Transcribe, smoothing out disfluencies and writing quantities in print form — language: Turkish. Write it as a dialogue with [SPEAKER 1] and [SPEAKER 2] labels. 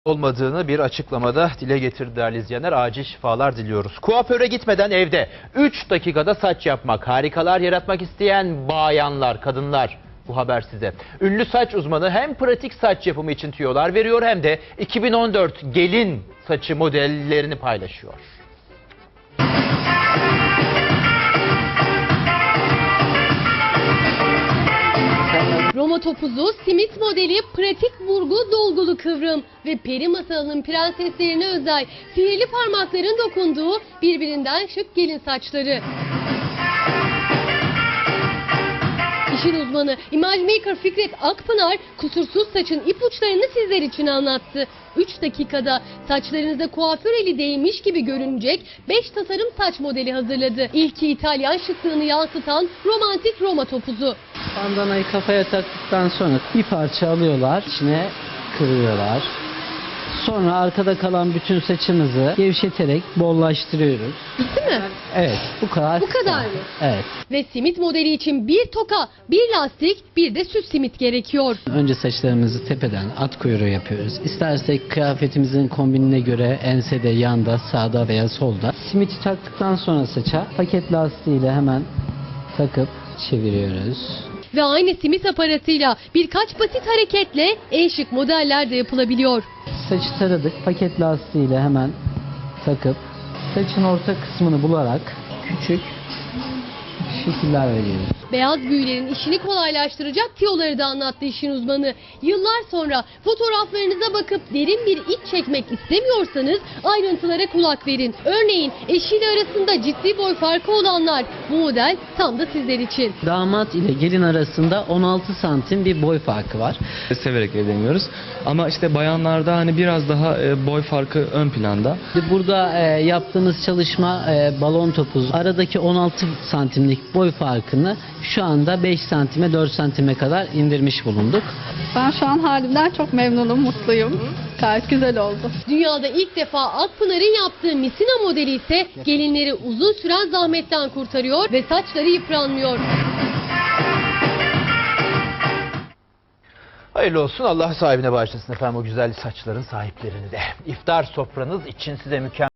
[SPEAKER 1] olmadığını bir açıklamada dile getirdi değerli izleyenler. Acil şifalar diliyoruz. Kuaföre gitmeden evde 3 dakikada saç yapmak, harikalar yaratmak isteyen bayanlar, kadınlar, bu haber size. Ünlü saç uzmanı hem pratik saç yapımı için tüyolar veriyor hem de 2014 gelin saçı modellerini paylaşıyor.
[SPEAKER 2] Roma topuzu, simit modeli, pratik vurgu, dolgulu kıvrım ve peri masalının prenseslerine özel sihirli parmakların dokunduğu birbirinden şık gelin saçları. İşin uzmanı Image Maker Fikret Akpınar kusursuz saçın ipuçlarını sizler için anlattı. 3 dakikada saçlarınıza kuaför eli değmiş gibi görünecek 5 tasarım saç modeli hazırladı. İlki İtalyan şıklığını yansıtan romantik Roma topuzu.
[SPEAKER 3] Bandanayı kafaya taktıktan sonra bir parça alıyorlar, içine kırıyorlar. Sonra arkada kalan bütün saçımızı gevşeterek bollaştırıyoruz.
[SPEAKER 2] Bitti mi?
[SPEAKER 3] Evet, bu kadar.
[SPEAKER 2] Bu kadar mı?
[SPEAKER 3] Evet.
[SPEAKER 2] Ve simit modeli için bir toka, bir lastik, bir de süs simit gerekiyor.
[SPEAKER 3] Önce saçlarımızı tepeden at kuyruğu yapıyoruz. İstersek kıyafetimizin kombinine göre ensede, yanda, sağda veya solda. Simiti taktıktan sonra saça paket lastiğiyle hemen takıp çeviriyoruz.
[SPEAKER 2] Ve aynı simit aparatıyla birkaç basit hareketle en şık modeller de yapılabiliyor.
[SPEAKER 3] Saçı taradık, paket lastiğiyle hemen takıp saçın orta kısmını bularak küçük şekiller veriyoruz.
[SPEAKER 2] Beyaz büyülerin işini kolaylaştıracak tiyoları da anlattı işin uzmanı. Yıllar sonra fotoğraflarınıza bakıp derin bir iç çekmek istemiyorsanız ayrıntılara kulak verin. Örneğin eşiyle arasında ciddi boy farkı olanlar, bu model tam da sizler için.
[SPEAKER 3] Damat ile gelin arasında 16 santim bir boy farkı var.
[SPEAKER 4] Severek evleniyoruz. Ama işte bayanlarda hani biraz daha boy farkı ön planda.
[SPEAKER 3] Burada yaptığımız çalışma balon topuz. Aradaki 16 santimlik boy farkını şu anda 5 santime 4 santime kadar indirmiş bulunduk.
[SPEAKER 5] Ben şu an halimden çok memnunum, mutluyum. Gayet güzel oldu.
[SPEAKER 2] Dünyada ilk defa Akpınar'ın yaptığı misina modeli ise gelinleri uzun süren zahmetten kurtarıyor ve saçları yıpranmıyor.
[SPEAKER 1] Hayırlı olsun, Allah sahibine bağışlasın efendim o güzel saçların sahiplerini de. İftar sofranız için size mükemmel